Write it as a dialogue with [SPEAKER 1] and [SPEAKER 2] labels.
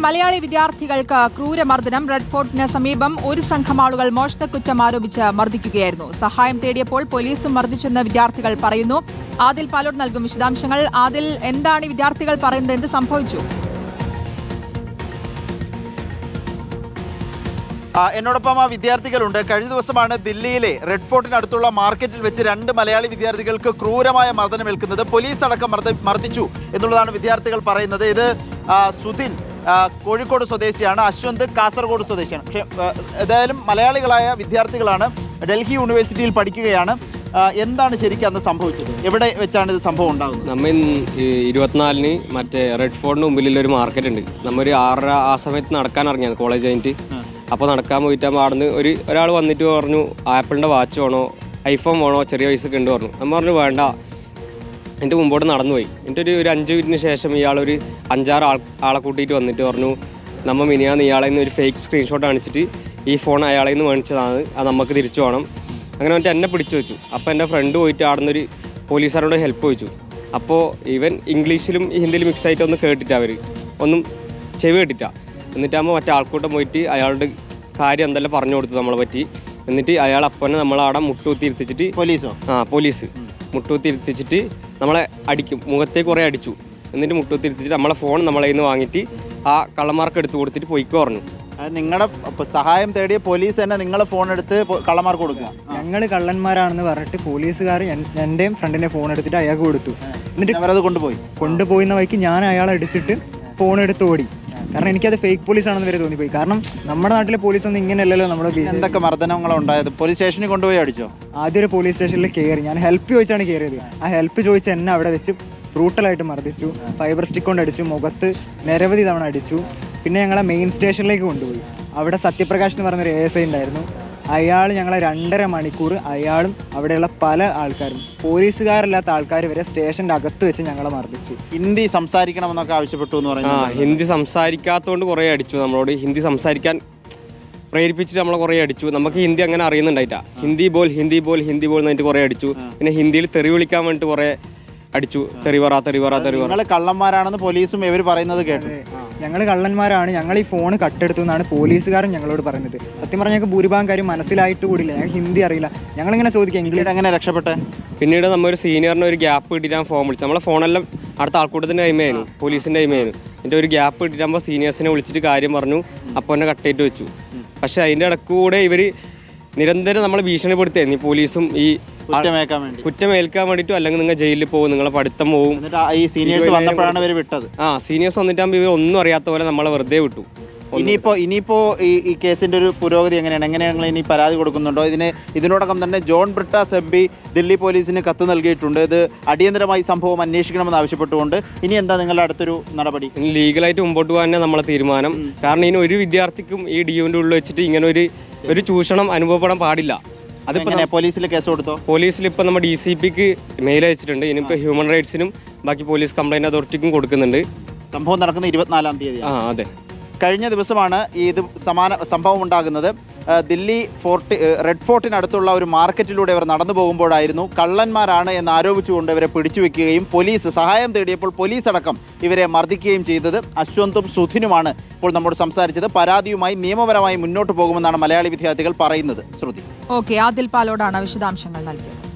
[SPEAKER 1] മലയാളി വിദ്യാർത്ഥികൾക്ക് ക്രൂരമർദ്ദനം. റെഡ് ഫോർട്ടിന് സമീപം ഒരു സംഘം ആളുകൾ മോഷണക്കുറ്റം ആരോപിച്ച് മർദ്ദിക്കുകയായിരുന്നു. സഹായം തേടിയപ്പോൾ പോലീസും മർദ്ദിച്ചെന്ന് വിദ്യാർത്ഥികൾ പറയുന്നു. ആദിൽ പാലോട് നൽകും വിശദാംശങ്ങൾ. ആദിൽ, എന്താണ് വിദ്യാർത്ഥികൾ പറയുന്നത്? എന്ത് സംഭവിച്ചു?
[SPEAKER 2] എന്നോടൊപ്പം ആ വിദ്യാർത്ഥികളുണ്ട്. കഴിഞ്ഞ ദിവസമാണ് ദില്ലിയിലെ റെഡ് ഫോർട്ടിനടുത്തുള്ള മാർക്കറ്റിൽ വെച്ച് 2 മലയാളി വിദ്യാർത്ഥികൾക്ക് ക്രൂരമായ മർദ്ദനമേൽക്കുന്നത്. പോലീസ് അടക്കം മർദ്ദിച്ചു എന്നുള്ളതാണ് വിദ്യാർത്ഥികൾ പറയുന്നത്. ഇത് സുധിൻ കോഴിക്കോട് സ്വദേശിയാണ്, അശ്വന്ത് കാസർഗോഡ് സ്വദേശിയാണ്. പക്ഷേ ഏതായാലും മലയാളികളായ വിദ്യാർത്ഥികളാണ്, ഡൽഹി യൂണിവേഴ്സിറ്റിയിൽ പഠിക്കുകയാണ്. എന്താണ് ശരിക്കും അന്ന് സംഭവിച്ചത്? എവിടെ വെച്ചാണ് ഇത് സംഭവം ഉണ്ടാകുന്നത്?
[SPEAKER 3] നമ്മൾ 24-ന് മറ്റേ റെഡ് ഫോർട്ടിന് മുമ്പിലുള്ള ഒരു മാർക്കറ്റ് ഉണ്ട്. നമ്മൊരു 6:30 ആ സമയത്ത് നടക്കാൻ ഇറങ്ങിയത് കോളേജ് കഴിഞ്ഞിട്ട്. അപ്പോൾ നടക്കാൻ പോയിട്ടാകുമ്പോൾ അവിടെ നിന്ന് ഒരാൾ വന്നിട്ട് പറഞ്ഞു, ആപ്പിളിൻ്റെ വാച്ച് വേണോ, ഐഫോൺ വേണോ, ചെറിയ പൈസക്ക് ഉണ്ട് പറഞ്ഞു. നമ്മൾ പറഞ്ഞു വേണ്ട. എൻ്റെ മുമ്പോട്ട് നടന്നുപോയി. എന്നിട്ട് ഒരു 5 മിനിറ്റിന് ശേഷം ഇയാളൊരു 5-6 ആളെ കൂട്ടിയിട്ട് വന്നിട്ട് പറഞ്ഞു, നമ്മൾ മിനിയാന്ന് ഇയാളെ നിന്ന് ഒരു ഫേക്ക് സ്ക്രീൻഷോട്ട് കാണിച്ചിട്ട് ഈ ഫോൺ അയാളെ നിന്ന് മേടിച്ചതാണ്, അത് നമുക്ക് തിരിച്ചു വേണം. അങ്ങനെ വന്നിട്ട് എന്നെ പിടിച്ചു വെച്ചു. അപ്പോൾ എൻ്റെ ഫ്രണ്ട് പോയിട്ട് അവിടെ നിന്നൊരു പോലീസുകാരോട് ഹെൽപ്പ് ചോദിച്ചു. അപ്പോൾ ഇവൻ ഇംഗ്ലീഷിലും ഹിന്ദിയിലും മിക്സ് ആയിട്ട് ഒന്ന് കേട്ടിട്ടാണ്, അവർ ഒന്നും ചെവി കേട്ടിട്ടാണ്. എന്നിട്ടാകുമ്പോൾ മറ്റേ ആൾക്കൂട്ടം പോയിട്ട് അയാളുടെ കാര്യം എന്തെല്ലാം പറഞ്ഞു കൊടുത്തു നമ്മളെ പറ്റി. എന്നിട്ട് അയാൾ അപ്പനെ നമ്മളവിടെ മുട്ടുകുത്തി ഇരുത്തിച്ചിട്ട് പോലീസ് മുട്ടുകുത്തി ഇരുത്തിച്ചിട്ട് നമ്മളെ അടിക്കും, മുഖത്തേക്ക് കുറേ അടിച്ചു. എന്നിട്ട് മുട്ടുകുത്തി ഇരുത്തിച്ചിട്ട് നമ്മളെ ഫോൺ നമ്മളെ നിന്ന് വാങ്ങിയിട്ട് ആ കള്ളന്മാർക്ക് എടുത്ത് കൊടുത്തിട്ട് പൊയ്ക്കോ പറഞ്ഞു.
[SPEAKER 2] നിങ്ങളുടെ സഹായം തേടിയ പോലീസ് തന്നെ നിങ്ങളെ ഫോൺ എടുത്ത് കള്ളന്മാർക്ക് കൊടുക്കുക.
[SPEAKER 4] ഞങ്ങൾ കള്ളന്മാരാണെന്ന് പറഞ്ഞിട്ട് പോലീസുകാർ എൻ്റെയും ഫ്രണ്ടിൻ്റെ ഫോൺ എടുത്തിട്ട് അയാൾക്ക് കൊടുത്തു. എന്നിട്ട്
[SPEAKER 2] അവരത് കൊണ്ടുപോയിന്ന
[SPEAKER 4] വഴിക്ക് ഞാൻ അയാളെ അടിച്ചിട്ട് ഫോൺ എടുത്ത് ഓടി. കാരണം എനിക്കത് ഫേക്ക് പോലീസ് ആണെന്ന് വരെ തോന്നിപ്പോയി. കാരണം നമ്മുടെ നാട്ടിലെ പോലീസ് ഒന്നും ഇങ്ങനെയല്ലല്ലോ. നമ്മുടെ
[SPEAKER 2] എന്തൊക്കെ മർദ്ദനങ്ങളുണ്ടായത്? പോലീസ് സ്റ്റേഷനിൽ കൊണ്ടുപോയി അടിച്ചോ?
[SPEAKER 4] ആദ്യം ഒരു പോലീസ് സ്റ്റേഷനിൽ കയറി, ഞാൻ ഹെൽപ്പ് ചോദിച്ചാണ് കയറിയത്. ആ ഹെൽപ്പ് ചോദിച്ച് എന്നെ അവിടെ വെച്ച് ബ്രൂട്ടലായിട്ട് മർദ്ദിച്ചു. ഫൈബർ സ്റ്റിക്ക് കൊണ്ട് അടിച്ചു, മുഖത്ത് നിരവധി തവണ അടിച്ചു. പിന്നെ ഞങ്ങളെ മെയിൻ സ്റ്റേഷനിലേക്ക് കൊണ്ടുപോയി. അവിടെ സത്യപ്രകാശ് എന്ന് പറഞ്ഞൊരു ASI ഉണ്ടായിരുന്നു. അയാൾ ഞങ്ങളെ 2.5 മണിക്കൂർ, അയാളും അവിടെയുള്ള പല ആൾക്കാരും, പോലീസുകാരല്ലാത്ത ആൾക്കാർ വരെ സ്റ്റേഷൻ്റെ അകത്ത് വെച്ച് ഞങ്ങളെ മർദ്ദിച്ചു.
[SPEAKER 2] ഹിന്ദി സംസാരിക്കണമെന്നൊക്കെ ആവശ്യപ്പെട്ടു എന്ന് പറഞ്ഞു.
[SPEAKER 3] ഹിന്ദി സംസാരിക്കാത്തതുകൊണ്ട് കുറേ അടിച്ചു. നമ്മളോട് ഹിന്ദി സംസാരിക്കാൻ പ്രേരിപ്പിച്ചിട്ട് നമ്മളെ കുറേ അടിച്ചു. നമുക്ക് ഹിന്ദി അങ്ങനെ അറിയുന്നുണ്ടായിട്ടാ. ഹിന്ദി ബോൾ എന്നിട്ട് കുറേ അടിച്ചു. പിന്നെ ഹിന്ദിയിൽ തെറി വിളിക്കാൻ വേണ്ടിയിട്ട് കുറേ അടിച്ചു. തെറിവറ.
[SPEAKER 2] നിങ്ങൾ കള്ളന്മാരാണെന്ന് പോലീസും ഇവർ പറയുന്നത് കേട്ടു.
[SPEAKER 4] ഞങ്ങൾ കള്ളന്മാരാണ്, ഞങ്ങൾ ഈ ഫോൺ കട്ടെടുത്തു എന്നാണ് പോലീസുകാരൻ ഞങ്ങളോട് പറയുന്നത്. സത്യം പറഞ്ഞാൽ ഞങ്ങൾക്ക് ഭൂരിഭാഗം കാര്യം മനസ്സിലായിട്ട് കൂടിയില്ല. ഞങ്ങൾക്ക് ഹിന്ദി അറിയില്ല. ഞങ്ങളിങ്ങനെ ചോദിക്കാം, ഇംഗ്ലീഷ്
[SPEAKER 2] എങ്ങനെ രക്ഷപ്പെട്ടെ?
[SPEAKER 3] പിന്നീട് നമ്മൊരു സീനിയറിന് ഒരു ഗ്യാപ്പ് കിട്ടിയിട്ട് ഫോൺ വിളിച്ചു. നമ്മളെ ഫോണെല്ലാം അടുത്ത ആൾക്കൂട്ടത്തിൻ്റെ ടൈമായിരുന്നു, പോലീസിൻ്റെ ടൈമായിരുന്നു. എന്നിട്ട് ഒരു ഗ്യാപ്പ് കിട്ടിയിട്ടാകുമ്പോൾ സീനിയേഴ്സിനെ വിളിച്ചിട്ട് കാര്യം പറഞ്ഞു. അപ്പോൾ എന്നെ കട്ടേറ്റ് വെച്ചു. പക്ഷേ അതിൻ്റെ ഇടയ്ക്ക് കൂടെ ഇവർ നിരന്തരം നമ്മളെ ഭീഷണിപ്പെടുത്തിയായിരുന്നു. ഈ പോലീസും ഈ കുറ്റമേൽക്കാൻ വേണ്ടിയിട്ടും, അല്ലെങ്കിൽ നിങ്ങൾ ജയിലിൽ പോകും, നിങ്ങളെ പഠിത്തം പോകും.
[SPEAKER 2] സീനിയേഴ്സ് വന്നിട്ടാകുമ്പോൾ
[SPEAKER 3] ഇവർ ഒന്നും അറിയാത്ത പോലെ നമ്മളെ വെറുതെ വിട്ടു.
[SPEAKER 2] ഇനിയിപ്പോ ഈ കേസിന്റെ ഒരു പുരോഗതി എങ്ങനെയാണ്? ഇനി പരാതി കൊടുക്കുന്നുണ്ടോ? ഇതിനോടകം തന്നെ ജോൺ ബ്രിട്ടാസ് MP ദില്ലി പോലീസിന് കത്ത് നൽകിയിട്ടുണ്ട്. ഇത് അടിയന്തരമായി സംഭവം അന്വേഷിക്കണമെന്ന് ആവശ്യപ്പെട്ടുകൊണ്ട്. ഇനി എന്താ നിങ്ങളുടെ അടുത്തൊരു നടപടി?
[SPEAKER 3] ലീഗലായിട്ട് മുമ്പോട്ട് പോകാൻ തന്നെ നമ്മളെ തീരുമാനം. കാരണം ഇനി ഒരു വിദ്യാർത്ഥിക്കും ഈ DUവിൻ്റെ ഉള്ളിൽ വെച്ചിട്ട് ഇങ്ങനെ ഒരു ചൂഷണം അനുഭവപ്പെടാൻ പാടില്ല.
[SPEAKER 2] അതിപ്പോ പോലീസിൽ കേസ് കൊടുത്തോ?
[SPEAKER 3] പോലീസിൽ ഇപ്പൊ നമ്മുടെ DCPക്ക് മെയിൽ അയച്ചിട്ടുണ്ട്. ഇനിയിപ്പോ ഹ്യൂമൻ റൈറ്റ്സിനും ബാക്കി പോലീസ് കംപ്ലൈന്റ് അതോറിറ്റിക്കും കൊടുക്കുന്നുണ്ട്.
[SPEAKER 2] സംഭവം നടക്കുന്ന 24-ാം തീയതി.
[SPEAKER 3] അതെ.
[SPEAKER 2] കഴിഞ്ഞ ദിവസമാണ് ഇത് സമാന സംഭവം ഉണ്ടാകുന്നത്. ദില്ലി റെഡ് ഫോർട്ടിനടുത്തുള്ള ഒരു മാർക്കറ്റിലൂടെ ഇവർ നടന്നു പോകുമ്പോഴായിരുന്നു കള്ളന്മാരാണ് എന്ന് ആരോപിച്ചുകൊണ്ട് ഇവരെ പിടിച്ചു വെക്കുകയും പോലീസ് സഹായം തേടിയപ്പോൾ പോലീസ് അടക്കം ഇവരെ മർദ്ദിക്കുകയും ചെയ്തത്. അശ്വന്തും സുധിനുമാണ് ഇപ്പോൾ നമ്മോട് സംസാരിച്ചത്. പരാതിയുമായി നിയമപരമായി മുന്നോട്ട് പോകുമെന്നാണ് മലയാളി വിദ്യാർത്ഥികൾ പറയുന്നത്. ശ്രുതി.
[SPEAKER 1] ആദിൽ പാലോടാണ് വിശദാംശങ്ങൾ നൽകിയത്.